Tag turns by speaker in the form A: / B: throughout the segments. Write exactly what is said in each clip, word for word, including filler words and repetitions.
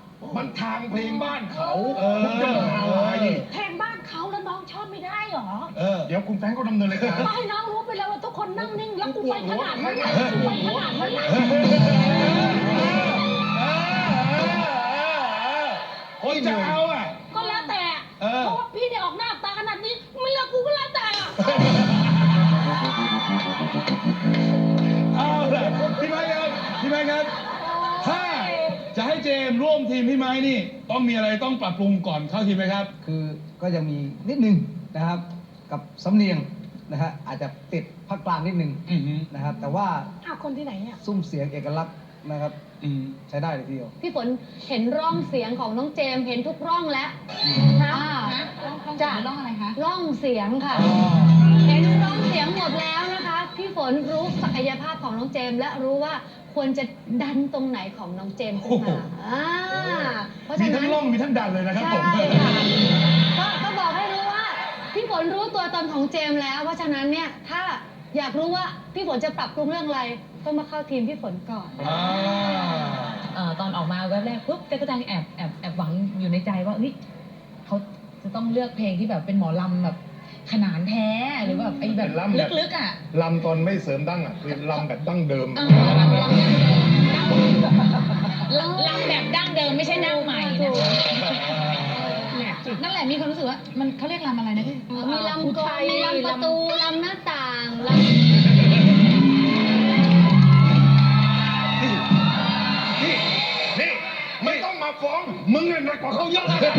A: มันทางเพลงบ้านเขาคุณจะมาอะไร
B: เพลงบ้านเขาแล้วน้องชอบไม่ได้หรอ
A: เดี๋ยวคุณแฟรงค์ก็ดำเนินรายการ
B: ไม่ให้น้องรู้ไปแล้วว่าทุกคนนั่งนิ่งแล้วกูไปขนาดนั้นกูไปขนาดนั้น
A: คนจะเอาอ่ะ
B: ก็แล้วแต่เพราะว่าพี่ได้ออกหน้าตาขนาดนี้ไม่เลือกกูก็แล้วแต่
C: เอาละพี่ไม้ครับพี่ไม้ครับถ้าจะให้เจมร่วมทีมพี่ไม้นี่ต้องมีอะไรต้องปรับปรุงก่อนเข้าทีมไหมครับ
D: คือก็ยังมีนิดนึงนะครับกับสำเนียงนะฮะอาจจะติดภาคกลางนิดนึงนะครับแต่ว่า
B: อ้าวคนที่ไหนเนี่ย
D: ซุ้มเสียงเอกลักษณ์นะครับใช้ได้เลยทีเดียว
E: พี่ฝนเห็นร่องเสียงของน้องเจมเห็นทุกร่องแล้ว
B: จ้าร่องอะไรคะ
E: ร่องเสียงค่ะเห็นร่องเสียงหมดแล้วนะคะพี่ฝนรู้ศักยภาพของน้องเจมและรู้ว่าควรจะดันตรงไหนของน้องเจมขึ้นมา
C: เพราะฉะนั้นมีทั้งร่องมีทั้งดันเลยนะครับผม
E: ใช่ค่ะก็ก็บอกให้รู้ว่าพี่ฝนรู้ตัวตนของเจมแล้วเพราะฉะนั้นเนี่ยถ้าอยากรู้ว่าพี่ฝนจะปรับปรุงเรื่องอะไรต้องมาเข้าทีมพี่ฝนก่อน
F: ตอนออกมาแวบแรกปุ๊บก็จะแอบแอบแอบหวังอยู่ในใจว่าเฮ้ยเขาจะต้องเลือกเพลงที่แบบเป็นหมอลำแบบขนานแท้หรือแบบไอ้แบบลึกๆอ่ะ
A: ลำตอนไม่เสริมดั้งอ่ะคือลำแบบดั้งเดิม
F: ลำแบบดั้งเดิมไม่ใช่ดั้งใหม่นะคะนั่นแหละมีความรู้สึกว่ามันเขาเรียกลำอะไรนะพี่
E: มีลำกลมีลำประตูลำหน้าต่างลำ
A: นี่นี่ไม่ต้องมาฟ้องมึงเนี่ยหนักกว่าเขาเยอะเลย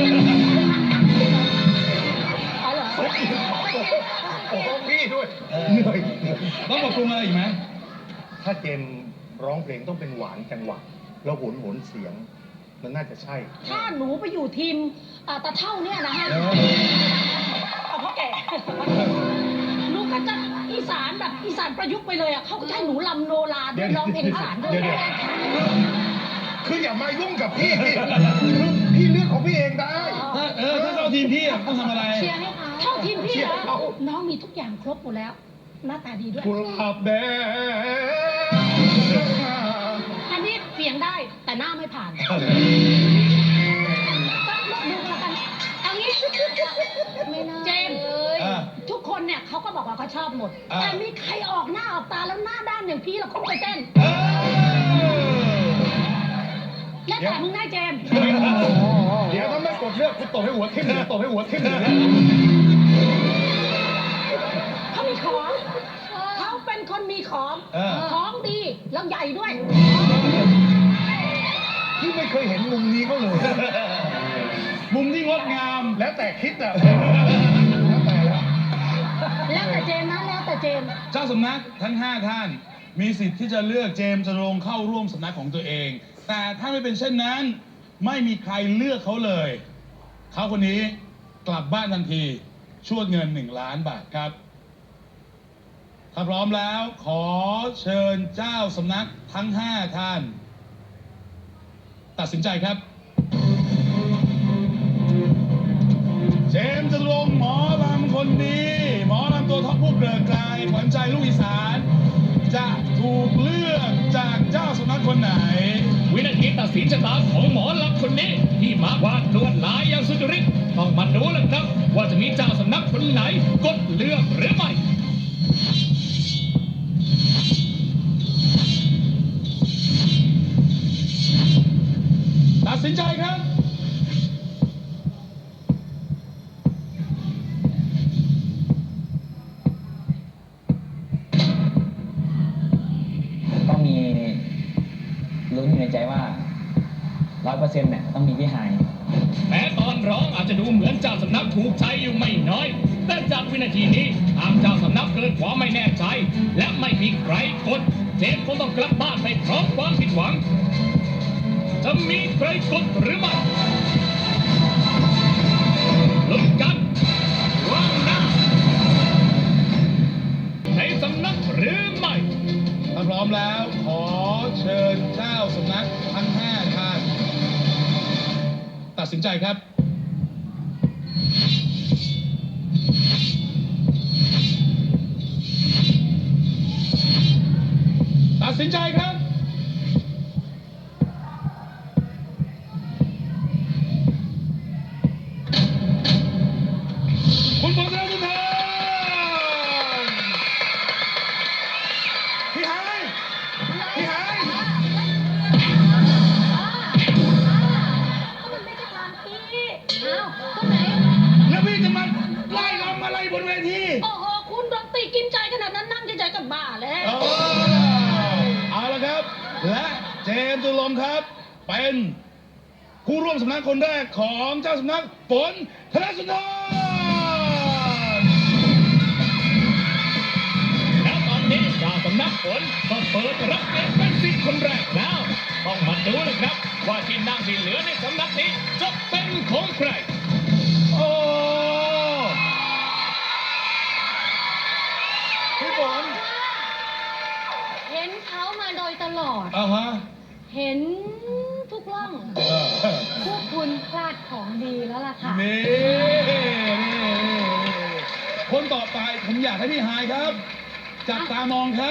A: โอ้โหพี่ด้วยเหนื่อย
C: ต้องปรับปรุงอะไรอีกไหม
A: ถ้าเจมร้องเพลงต้องเป็นหวานจังหวะแล้วโหนโหนเสียงมันน่าจะใช่
B: ถ้าหนูไปอยู่ทีมตาเท่าเนี่ยนะฮะเอาพ่อแก่หนูก็จะอีสานแบบอีสานประยุกต์ไปเลยอ่ะเขาก็ใช้หนูลำโนราด้วยร้องเพลงอีสานด้วย
A: คืออย่ามายุ่งกับพี่พี่เลือกของพี่เองได้
C: เออถ้าเข้าทีมพี่ต้องทำอะไร
B: เชียร์ให้เขาเข้าทีมพี่แล้วน้องมีทุกอย่างครบหมดแล้วหน้าตาดีด้วย
A: กุหลาบแดง
B: อันนี้เสียงได้แต่หน้าไม่ผ่านก็ดูกันกันเอางี้เจมทุกคนเนี่ยเขาก็บอกว่าเขาชอบหมดแต่มีใครออกหน้าออกตาแล้วหน้าด้านอย่างพี่เราเขาไปเต้นแล้วแต่มึงได้เจม
A: เดี๋ยวถ้าไม่กดเลือกคุณตบให้หัวทิ่มเลยตบให้หัวทิ่มเลย
B: เขามีของเขาเป็นคนมีของของดีแล้วใหญ่ด้วย
A: พี่ไม่เคยเห็นมุมนี้เขาเลย
C: มุมที่งดงาม
A: แล้วแต่คิดอ่ะแล้วแต่แล้ว
B: แล้วแต่เจมนะแล้วแต่เจม
C: เจ้าสำนักทั้งห้าท่านมีสิทธิ์ที่จะเลือกเจมจะลงเข้าร่วมสำนักของตัวเองแต่ถ้าไม่เป็นเช่นนั้นไม่มีใครเลือกเขาเลยเขาคนนี้กลับบ้านทันทีชวดเงินหนึ่งล้านบาทครับถ้าพร้อมแล้วขอเชิญเจ้าสำนักทั้งห้าท่านตัดสินใจครับเจมส์จตุรงค์หมอลำคนดีหมอลำตัวท็อปผู้เกลือกลายขวัญใจลูกอีสานจะถูกเลือกจากเจ้าสำนักคนไหน
G: วินาทีตัดสินชะตาของหมอลำคนนี้ที่มาวาดลวดลายอย่างสุจริตต้องมาดูแล้วครับว่าจะมีเจ้าสำนักคนไหนกดเลือกหรือไม่
C: ตัดสินใจครับ
H: ต้องมีลุ้นอยู่ในใจว่าร้อยเปอร์เซ็นต์เนี่ยต้องมีพี่ไฮ
G: แม้ตอนร้องอาจจะดูเหมือนเจ้าสำนักถูกใจอยู่ไม่น้อยแต่จากวินาทีนี้ทางเจ้าสำนักเกิดความไม่แน่ใจและไม่มีใครกดเจมส์คงต้องกลับบ้านไปพร้อมความผิดหวังจะมีใครกดหรือไม่ลุ้นกันว่างหน้าในสำนักหรือไม่
C: ถ้าพร้อมแล้วขอเชิญเจ้าสำนักทั้งห้าท่านตัดสินใจครับตัดสินใจครับมครับ เป็นผู้ร่วมสำนักคนแรกของเจ้าสำนักฝนธนสุนทร
G: แล้วตอนนี้เจ้าสำนักฝนก็เปิดรับเงินเป็นสิทธิ์คนแรกแล้ว ต้องมาดูนะครับ ว่าที่นั่งที่เหลือในสำนักนี้จะเป็นของใคร
C: โอ้พี่ฝน
E: เห็นเขามาโดยตลอด
C: อ่าฮะ
E: เห็นทุกร่อง
C: เออ
E: พวกคุณพลาดของดีแล้วล่ะค่ะ
C: นี่นี่คนต่อไปผมอยากให้พี่ฮายครับ จับตามองครับ